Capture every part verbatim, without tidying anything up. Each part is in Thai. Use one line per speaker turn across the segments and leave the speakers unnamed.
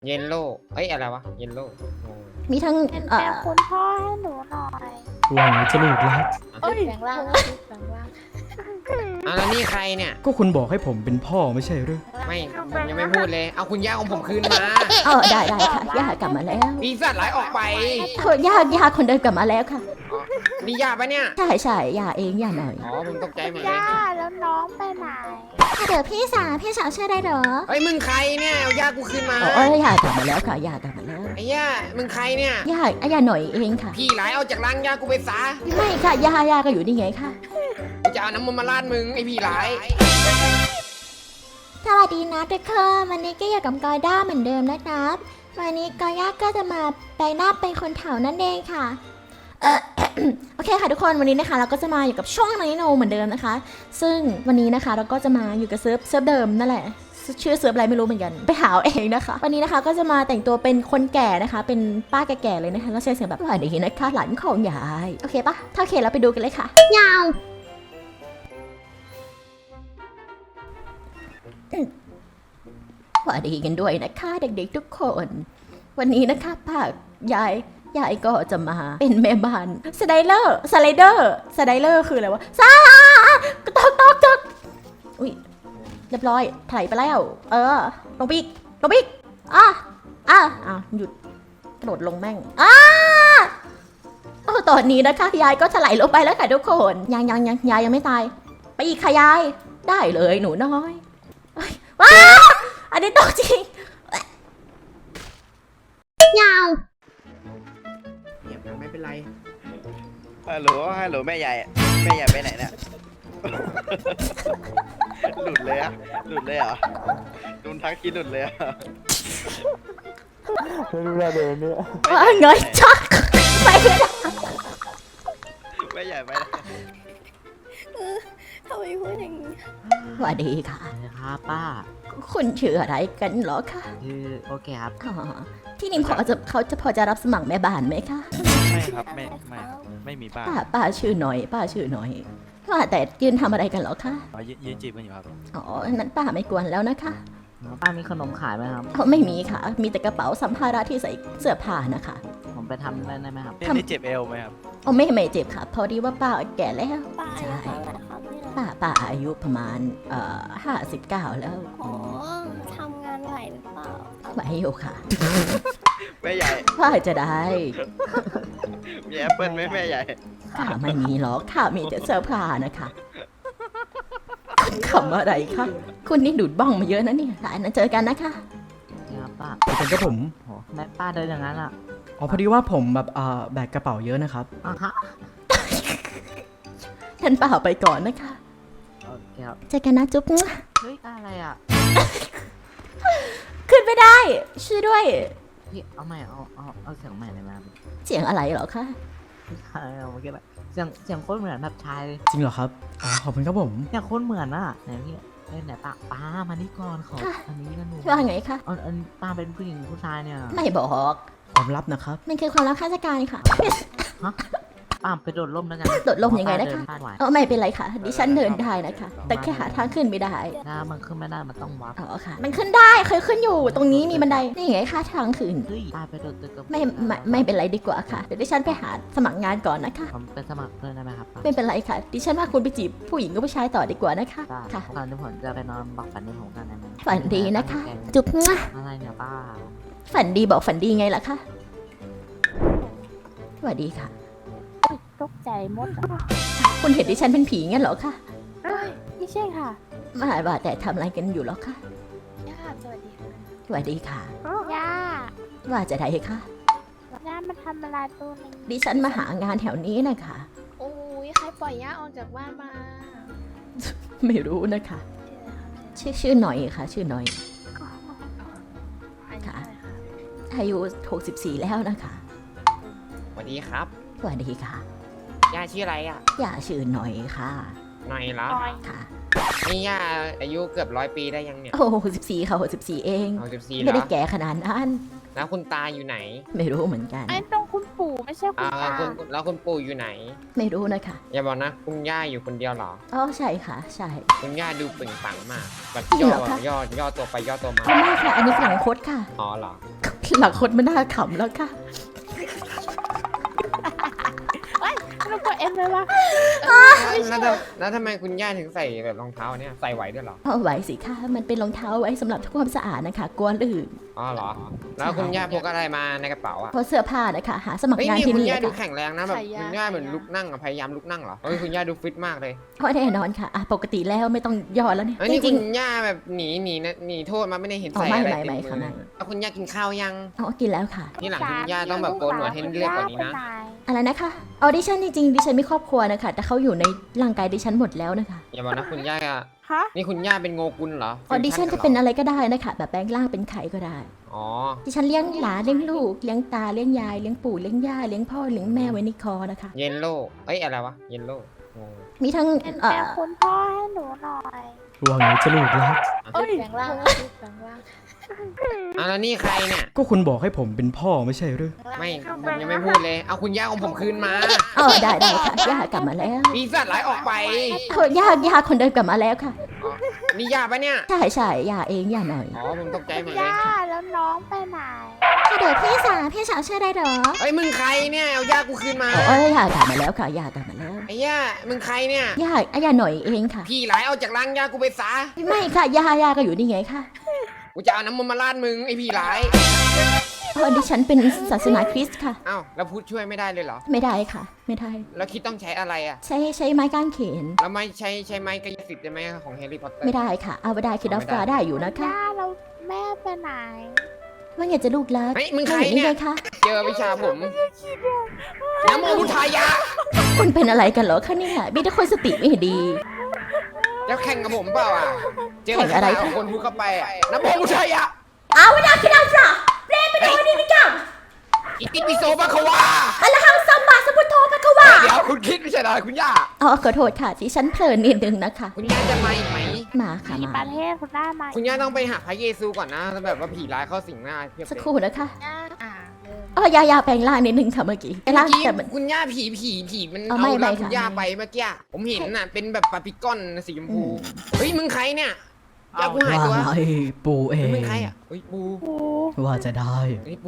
เยลโล่เอ้ยอะไรวะเยลโล่
มีทั้ง
เป็น
เอ่
แม่
อ
คุณพ่อให้หนูหน่อย
หวังจะลูกรัก
เอ้ยแปลงร่างแปลงร่าง
อ้าวแล้วนี่ใครเนี่ย
ก็คุณบอกให้ผมเป็นพ่อไม่ใช่หรือ
ไม่ผมยังไม่พูดเลยเอาคุณย่าของผมคืนมา
เออได้ได้ค่ะย่ากลับมาแล้ว
ปีศาจร้ายออกไป
เออย่าย่าคนเดินกลับมาแล้วค่ะ
อ๋อนี่ย่าปะเนี่ย
ใช่ใช่ย่าเองย่าหน่อย
อ๋อผมตกใจหมดเลย
ย่าแล้วน้องไปไหน
เดี๋ยวพี่สาวพี่สาวชื่ออะไรเหรอ
เฮ้ยมึงใครเนี่ยเอาย่ากูคืนมา
อ๋อเอ้ยย่ากลับมาแล้วค่ะย่ากลับมาแล้ว
ไอ้ย่ามึงใครเนี่ย
ย่าย่าหน่อยเองค่ะ
พี่ร้ายเอาจากร่างย่ากูไปซะ
ไม่ค่ะย่าย่าก็อยู่นี่ไงค่ะ
กูจะเอาน้ำมันมาราดมึงไอ้พี่ร้าย
สวัสดีนะทุกคนวันนี้ก็อยู่กับกอยด้าเหมือนเดิมนะครับวันนี้กอย่าก็จะมาแปลงหน้าเป็นคนแถวนั่นเองค่ะเออ โอเคค่ะทุกคนวันนี้นะคะเราก็จะมาอยู่กับช่องนานิโนเหมือนเดิมนะคะ ซึ่งวันนี้นะคะเราก็จะมาอยู่กับเซิร์ฟเซิร์ฟเดิมนั่นแหละชื่อเซิร์ฟอะไรไม่รู้เหมือนกันไปหาเอาเองนะคะ วันนี้นะคะก็จะมาแต่งตัวเป็นคนแก่นะคะ เป็นป้าแก่ๆเลยนะคะแล้วใช้เสียงแบบว่าดีนะคะหลานของยายโอเคปะถ้าโอเคเราไปดูกันเลยค่ะยาวสวัสดีกันด้วยนะคะเด็กๆทุกคน วันนี้นะคะป้ายายยายก็จะมาเป็นแม่บ้านสไลเดอร์สไลเดอร์สไลเดอร์คืออะไรวะซ่าตอกตอกตอกอุ้ยเรียบร้อยไถไปแล้วเออลงไปอีกลงไปอีกอ่ะอ่ะอ่ะหยุดกระโดดลงแม่งอ่ะโอ้ตอนนี้นะคะยายก็ถลายลงไปแล้วค่ะทุกคนยังยังยังยายยังไม่ตายไปอีกค่ะยายได้เลยหนูน้อยว้าอันนี้ตกจริงยาว
เงียบนะไม่เป็นไร
ฮัลโหลฮัลโหลแม่ใหญ่แม่ใหญ่ไปไหนเนี่ยหลุดเลยอะหลุดเลยเหรอโดนทักคิดหลุดเลยอะ
ไม่รู้อะไรเลยเนี่ย
ว่าเงยชักไปไม่ได้
แม่ใหญ่ไปไหน
ทำไมพูดอย่างนี้
สวัสดีค่ะ
ครับป้า
คุณชื่ออะไรกันเหรอคะ
คือโอเคครับ
อ๋อที่นี่พอจะเขาจะพอจะรับสมัครแม่บ้านไหมคะ
ไม่ครับไม่ไม่ครับไม่มีบ้าน
ป้าป้าชื่อหน่อย ป้าชื่อหน่อยว่าแต่ยืนทำอะไรกันเหรอคะ
อ๋อยืนยืนจีบกันอยู่ครับ
อ๋อนั้นป้าไม่กวนแล้วนะคะ
ป้ามีขนมขายไหมครับ
เขาไม่มีค่ะ มีแต่กระเป๋าสัมภาระที่ใส่เสื้อผ้านะคะ
ผมไปทำได้ไหมครับ
นี่นี่เจ็บเอวไหมครับ
อ๋อไม่ไม่เจ็บค่ะ พอดีว่าป้าแก่แล้ว
ป้าอายุเท่าไหร่ครับเนี่ย
ป้าป้าอายุประมาณเอ่อห้าสิบเก้าแล้ว
โอ้ทำงานไหวหรือเปล่า
ไหวอยู่ค่ะ
แม่ใหญ่
ว่าจะได้
มีแอปเปิลไหมแม่ใหญ่
ข้าไม่มีหรอกข้ามีแต่เสื้อผ้านะคะคุณขำอะไรคะคุณนี่ดูดบ้องมาเยอะนะเนี่ยหลายนั้นเจอกันนะคะ
นี่ครับป้า
เป็นก็ผม
โหแม่ป้าเดินอย่างนั้นอ่ะ
อ๋อพอดีว่าผมแบบอ่าแบกกระเป๋าเยอะนะครับ
อ่ะฮะ
ท่านเปล่าไปก่อนนะคะ
โอเคครับ
เจอกันนะจุ๊บ
เฮ้ยอะไรอ่ะ
ขึ้นไม่ได้ ช่วยด้วย
พี่เอาใหม่เอาเอาเอาเสียงใหม่เลยไหมครับ
เสียงอะไรเหรอคะ
อะไรเอาเมื่อกี้แบบเสียงเสียงโคตรเหมือนแบบชายเลย
จริงเหรอครับอ๋อขอบคุณครับผม
เสียงโคตรเหมือนอ่ะไหนพี่เอ้ยไหนป้าป้ามานี่ก่อนขอ
ค่ะ
อันนี้กันหนู
ว่าไงคะ
อันอันป้าเป็นผู้หญิงผู้ชายเนี่ย
ไม่บอก
ความลับนะครับ
มันคือความลับข้าราชการค่ะ
ฮะป้าไปโดดร่มแล้วกัน
โดดร่มยังไงนะคะ
ป้าเดินพลาดไหว
เออไม่เป็นไรค่ะ ดิฉันเดินได้นะคะ แต่แค่หาทางขึ้นไม่ได้
ถ้ามันขึ้นไม่ได้มันต้องวัด
อ๋อค่ะ มันขึ้นได้เคยขึ้นอยู่ ตรงนี้มีบันได นี่ไงค่าทางขึ้น
เฮ้ยป้าไปโดดตึกกับ
ไม่ไม่ไม่เป็นไรดีกว่าค่ะ เดี๋ยวดิฉันไปหาสมัครงานก่อนนะคะ
ผมเป็นสมัครเพื่อนได้ไหมครับป้า
ไม่เป็นไรค่ะ ดิฉันว่าคุณไปจีบผู้หญิงกับผู้ชายต่อดีกว่านะคะ
ป้า
ค่ะ
ตอนที่ผมจะไปนอนบอกฝันในผมกันได้ไหม
ฝันดีนะคะ จุ๊บมั่ว
อะไรเนี่ยป้า
ฝันดีบอกฝันดีไงล่ะคะสวัสดีค่ะ
ตกใจหมดอะ
คุณเห็นดิฉันเป็นผีงั้นเหรอคะ
เอ้ยไม่ใช่ค่ะ
มาว่าแต่ทำอะไรกันอยู่เหรอคะ
ย่าสวัสดีค่ะ
สวัสดีค่ะ
ย่า
ว่าจะได้คะ
ย่ามาทำอะไรตัวนี้
ดิฉันมาหางานแถวนี้นะคะ
โอ้ยใครปล่อยย่าออกจากบ้านมา
ไม่รู้นะคะ ชื่อชื่อหน่อยค่ะ ชื่อหน่อย ค่ะ อายุหกสิบสี่แล้วนะคะ
สวัสดีครับ
สวัสดีค่ะ
ย่าชื่ออะไรอ่ะ
อย่าชื่อหน่อยค่ะ
หน่อยเหรอ
ปล่อย
ค่ะ
นี่ย่าอายุเกือบร้อยปีได้ยังเนี่ย
โอ้หกสิบสี่ค่ะหกสิบสี่เอง
หกสิบสี่เหร
ไม่ได้
อ
แก่ขนาดนั้น
แล้วคุณตาอยู่ไหน
ไม่รู้เหมือนกัน
ไอ้ตรงคุณปู่ไม่ใช่คุ
อ่า
ณตา
คุณแล้วคุณปู่อยู่ไหน
ไม่รู้นะคะ
อย่าบอกนะคุณย่าอยู่คนเดียวเหรอ
อ๋อใช่ค่ะ ใช่
คุณย่าดูปึงปังมากแบบ
จริง
ย่อ
เหรอคะ
ย่อย่อตัวไปย่อตัวมา
ไม่ค่ะ อันนี้หลังคดค่ะ
อ๋อเหรอ
หลังคดมันน่าขำแล้วค่ะ
เรากดเอ็มเลยวะ
แล้วแล้วแล้วทำไมคุณย่าถึงใส่แบบรองเท้าเนี่ยใส่ไหวด้วยเหรอ
เอาไว้สิค่ะ มันเป็นรองเท้าไว้สำหรับทำความสะอาดนะคะ กลัวลื่น
อ๋อเหรอ แล้วคุณย่าพกอะไรมาในกระเป๋าอ่ะ
เพราะเสื้อผ้านะคะ หาสมัค
เฮ้
รงาน
นี่
ที่
คุณ
นี่
ย่าดู
ค่ะ
แข็งแรงนะแบบคุณย่าเหมือนลุกนั่งอะพยายามลุกนั่งเหรอเฮ้ยคุณย่าดูฟิตมากเลย
เพราะแน่นอนค่ะอ่ะ ปกติแล้วไม่ต้องย่อแล้วเนี่ย
เฮ้ย
จ
นี่
ริ
คุ
ง
ณย่าแบบหนีหนีนะหนีโทษมาไม่ได้เห็น
อ๋อ
ใส่
ไม่
อะไร
ไม่
ติด
ไม่
มื
ค่ะไม่
อแล้วคุณย่ากินข้าวยัง
อ๋อกินแล้วค่ะ
นี่หลังคุณย่าต้องแบบโกนหนวดให้เรียบกว่านี้นะ
อะไรนะคะออดิชั่นจริงๆดิฉันมีครอบครัวนะคะ แต่เขาอยู่ในร่างกายดิฉันหมดแล้วนะคะ
อย่าบอกนะคุณย่าอะ
ฮะ
นี่คุณย่าเป็นโงกุลเหรอ
ออดิชั่นจะเป็นอะไรก็ได้นะคะ แบบแปลงร่างเป็นไข่ก็ได้
อ๋อ
ดิฉันเลี้ยงหลานเลี้ยงลูกเลี้ยงตาเลี้ยงยายเลี้ยงปู่เลี้ยงย่าเลี้ยงพ่อเลี้ยงแม่ไว้ในคอนะคะ
เยนโล่เอ้ยอะไรวะ เยนโล่งง
มีทั้ง
เป็น
เอ่
แม่
อ
คุณพ่อให้หนูหน่อย
ว่าไงจะลูกรัก
เอ้ยแปลงร่างแปลงร่าง
อ่ะแล้วนี่ใครเนี่ย
ก็คุณบอกให้ผมเป็นพ่อไม่ใช่หรือ
ไม่ผมยังไม่พูดเลย เอาคุณย่าของผมคืนมา
เออได้ได้ค่ะย่ากลับมาแล้ว
ปีศาจร้ายออกไป
เออย่าย่าคนเดิมกลับมาแล้วค่ะ
อ๋อนี่ย่าปะเนี่ย
ใช่ใช่ย่าเองย่าหน่อย
อ๋อผมตกใจหมดเลย
ย่าแล้วน้องไปไหน
เดี๋ยวพี่สาวพี่สาวช่วยได้เหรอ
เฮ้ยมึงใครเนี่ย เอาย่ากูคืนมา
เออย่ากลับมาแล้วค่ะย่ากลับมาแล้ว
ไอ้ย่ามึงใครเนี่ย
ย่าย่าหน่อยเองค่ะ
พี่ร้ายเอาจากร่างย่ากูไปซะ
ไม่ค่ะย่าย่าก็อยู่นี่ไงค่ะ
กูจะเอาน้ำมันต์มาราดมึงไอ้พี่ร้าย
เพราะดิฉันเป็นศาสนาคริสต์ค่ะ
เอ้าแล้วพูดช่วยไม่ได้เลยเหรอ
ไม่ได้ค่ะ ไม่ได้
แล้วคิดต้องใช้อะไรอ่ะ
ใช้ใช้ไม้กางเขน
แล้วไม่ใช้ใช้ไม้กายสิทธิ์ได้ไหมของแฮร์รี่พอตเตอร์
ไม่ได้ค่ะเอาไปได้คิดอัฟกาได้อยู่นะคะ
ย่าแล้วแม่ไปไหน
ว่าไงจะลูกรัก
เฮ้ยมึงใคร
อยู่นี่
เนี่ย
ไงคะ
เจอวิชาผมน้ำโมพุทธายะ
คุณเป็นอะไรกันเหรอคะเนี่ยมีแต่คนสติไม่ดี
จะแข่งกับผมเปล่าอ่ะ เจอ
แข่งอะไร
ขคนพูดเข้าไปอ่ะน้ำโมพุทธายะ
เอาไม่ได้คิดอัฟกาเรียนไปโดนนี่ไม่จับ
อิติปิโสปะคะวา
อะละหังซัมบาสพุทโธพะคะวา
เดี๋ยวคุณคิดไม่ใช่เหรอคุณย่า
อ๋อขอโทษค่ะดิฉันเพลินนิดนึงนะคะ
คุณย่าจะมาอีกไหม
มาค่ะ
มี
มา
ประเทศคุณได้ไหม
คุณย่าต้องไปหาพระเยซูก่อนนะแล้วแบบว่าผีร้ายเข้าสิงหน้าเพียบ
สัก
เลย
ครู่นะคะ
ย่าอ่าเริ่ม
อ๋อยายาแปลงร่างนิดนึงค่ะเมื่อกี้แปลง
เมื่
ร่า
อง กี้
แต่มัน
คุณย่าผีผีผีมัน
เอา
เอา
ไม่
ร่าง
ไม่
คุณ
ค่ะ
ย่า
ไม่
ไปเมื่อกี้ผมเห็นน่ะเป็นแบบปาปิกอนสีชมพูเฮ้ยมึงใครเนี่ยย่ากูหายตัว
ว่าไงปู่เอ
เฮ้ย
ง
มึงใครอ่ะเฮ้ยปู
ปู
ว่าจะได้
เฮ้ยปู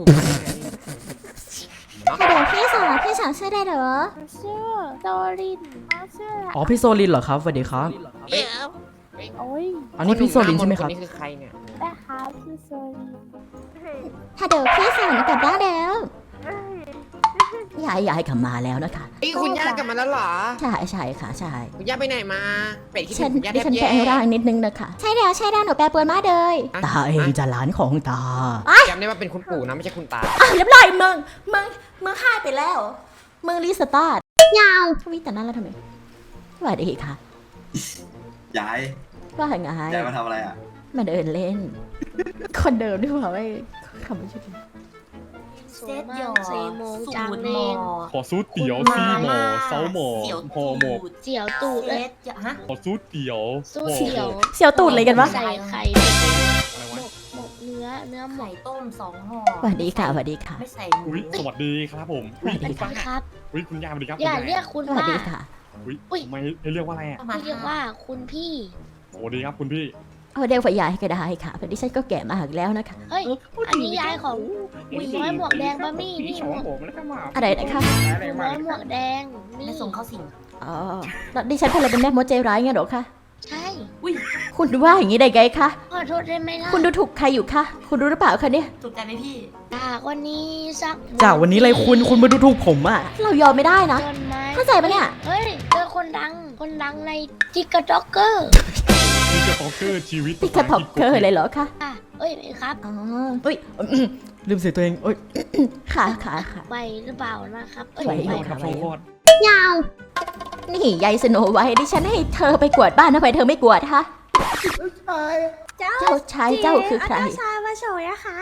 ค่ะเดี๋ยวพี่สาวพี่สาวช่วยได้เหรอ
ชื่อโดรินน้องชื่ออะไร
อ๋อพี่โซลินเหรอครับสวัสดีครับ
เฮ้ย
โอ้ย
อันนี้พี่โซลินใช่ไหมครับ
นนี้คือใครเนี่ย
ได้ครับชื่อโซลิน
ค่ะเดี๋ยวพี่สาวกลับได้แล้วยายยายกลับมาแล้วนะคะ
เฮ้ยคุณย่ากลับมาแล้วเหรอ
ใช่ใช่ค่ะใช่
คุณย่าไปไหนมาเป็ดคิด
ฉั
ถึ
น
งคุณย่า
ดิ
แทบ
ฉัน
แย่
แปลงร่างนิดนึงนะคะใช่แล้วใช่แล้วหนูแปลปรวนมากเลย
ะ
ตาเองจะหลานของตา
จำได้ว่าเป็นคุณปู่นะไม่ใช่คุณตา
อ่ะเรียบร้อยมึงมึงมึงหายไปแล้วมึงรีสตาร์ทยาววิแต่นั้นแล้วทำไมสวัสดีค่ะ
ยาย
ว่าไง
ยายมาทำอะไรอ่ะ
มาเดินเล่น คนเดิมด้วยว่าไม่คำไม่ใช่
เซตหยอสี่โมงจางเลง
ขอซูดเตี๋ยวซี่หมอเซาหมอหอหมก
เจียวตูด
เอสฮะ
ขอซูดเตี๋ยว
สู้เสียว
เสียวตูดเลยกันวะ
ใส่ไข่
อะไร
หม
วะ
กหมกเนื้อเนื้อหม
ไข่
ก
ต้มสองห่อ
สวัสดีค่ะสวัสดีค่ะ
ไม่ใส่หมู
อุ้ยสวัสดีครับผมอุ้ย
สวัสดี
คุณ
ค่ะ
ป้า
ครับ
อุ้ยคุณยายสวัสดีครับ
อย่า
คุณ
เรียกคุณ
สวัส
ป้า
ดีค่ะ
อุ้ย
อุ๊ย
ทำไมให้เรียกว่าอะไรอ่ะ
ประมาณ
เรียกว่าคุณพี่
สวัสดีครับคุณพี่
เอาเรียกว่าใหญ่ก็ได้ค่ะพอดีฉันก็แก่มากแล้วนะคะ
เฮ้ย อันนี้ยายของหมีน้อยหมวกแดงบะมี่นี่หมวก
อะไรนะคะ
หมีน้อยหมวกแดงนี่
ไม่ส่งเข้าสิง
อ๋อแล้วดิฉันเป็นอะไรเป็นแม่มดใจร้ายไงเหรอคะ
ใช่
คุณว่าอย่างนี้ได้ไงคะ
ขอโทษได้ไหมล่ะ
คุณดูถูกใครอยู่คะ คุณรู้หรือเปล่าคะเนี่ย
ถูกใจไหมพี่
จากวันนี้สัก
จากวันนี้เลยคุณคุณมาดูถูกผมอ่ะ
เรายอมไม่ได้นะ
จนไหม
เข้าใจปะเนี่ย
เฮ้ยเจอคนดัง คนดังในจิกกะจ็อกเกอร์
นี่กระป๋อกเกอร์ชีวิต
ติดกระถกเกอร์เลยเหรอคะ
อ่ะเอ้ยครับ
อ๋อเฮ้ย
ลืมเสียตัวเองเอ้ย
ขาขาขา
ไปหรือเปล่านะครับเอ้ย
ไหว
ไป
อยู่
ครับ
ไหว
โคตร
ยาว นี่ยายสโนไว้ดิฉันให้เธอไปกวาดบ้านทำไมเธอไม่กวาดคะ
เจ้า
เจ้าชายเจ้าคือใคร
เจ้าชายมาโชยอะคะ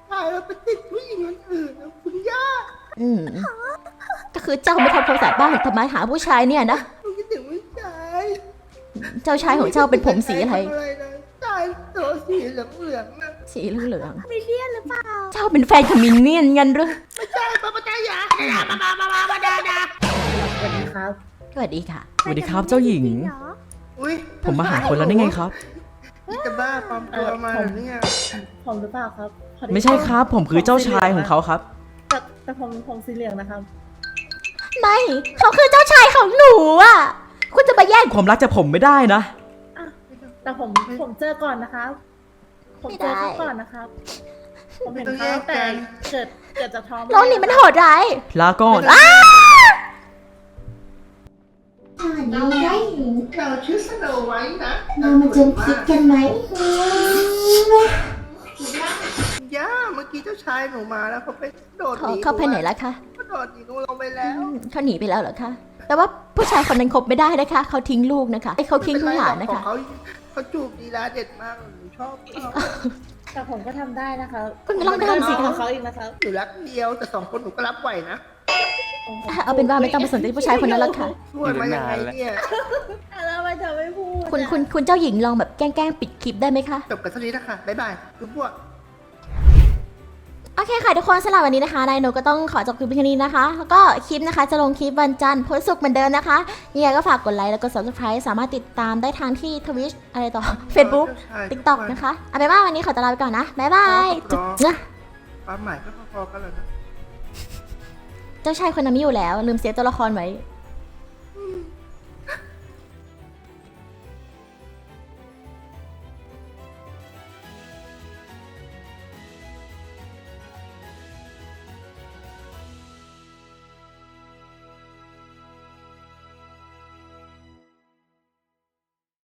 อืมก็คือเจ้าไม่ทำความสะอาดบ้านทำไมหาผู้ชายเนี่ยนะ เจ้าชายของเจ้าเป็นผมสีอะไร
ใช่ตัวสีเหลืองๆนะ
สีเหลือง
มิเลียนหรือเปล่า
ๆเจ้าเป็นแฟนกับมินเนี่ยนงั้นหรือ
ไม่ใช่ปะปะจ้าอย่าอย่ามามามามามาดาดาสวัสดีครับ
สวัสดีค่ะ
สวัสดีครับเจ้าหญิง
อุ้ย
ผมมาหาคนแล้วได้ไงครับ
นี่จะบ้าปลอมตัวมาเหรอเนี่ย
ผมหรือเปล่าครับพอดี
ไม่ใช่ครับ ผมคือเจ้าชายของเขาครับ
แต่แต่ผมผมสีเหลืองนะครับ
ไม่เขาคือเจ้าชายของหนูอ่ะคุณจะมาแย่ง
ความรักจากผมไม่ได้นะ
อ่ะแต่ผมผมเจอก่อนนะครับ ผมเจอเขาก่อนนะครับ ผมเห็นเขาตั้งแต่เกิดเกิดจากท้อง
โลกนี้มันโหดร้าย
ลาก่อน
อ้า
เราเราชื่อสโนไว้นะ
เรามาจมคิดกันไหม
ย่าเมื่อกี้เจ้าชายหนูมาแล้วเขาไปโดดห
เขา
นี
เขาไปไหนแล้วคะ
เขาโดดหนีหนูลงไปแล้ว
อืมเขาหนีไปแล้วเหรอคะแต่ว่าผู้ชายคนนั้นคบไม่ได้นะคะเขาทิ้งลูกนะคะไอ้เขาทิ้งทุกอย่างนะ
ขอ
คะ
งเขาเขาจูบดีลาเด็ดมากหนูชอบเขา
แต่ผมก็ทำได้นะครับ
คุณลองทำสิ
ขอ
คะ
งเขาอีกนะครับ
หนูรักเดียวแต่สองคนหนูก็รับไหวนะ
เอาเป็นว่าไม่ต้องไปสนใจผู้ชายคนนั้นแล้วค่ะ
ช่วยมายังไงเนี่ย
แล้วทำไมเธอไม่พูด
คุณคุณคุณเจ้าหญิงลองแบบแกล้งๆปิดคลิปได้ไหมคะ
จบกันเท่านี้นะคะบ๊ายบายทุกพวก
โอเคค่ะทุกคนสำหรับวันนี้นะคะนายโนก็ต้องขอจบคลิปเพียงแค่นี้นะคะ แล้วก็คลิปนะคะจะลงคลิปวันจันทร์พุธศุกร์เหมือนเดิมนะคะยังไงก็ฝากกดไลค์แล้วก็ Subscribe สามารถติดตามได้ทางที่ Twitch อะไรต่อ Facebook TikTok นะคะเอาเป็นว่าวันนี้ขอตัวลาไปก่อนนะบ๊ายบายจุ๊บนะ
ความหมายก็พอๆกันเลยนะ
เจ้าชายคนนั้นไม่อยู่แล้วลืมเซฟตัวละครไว้
อ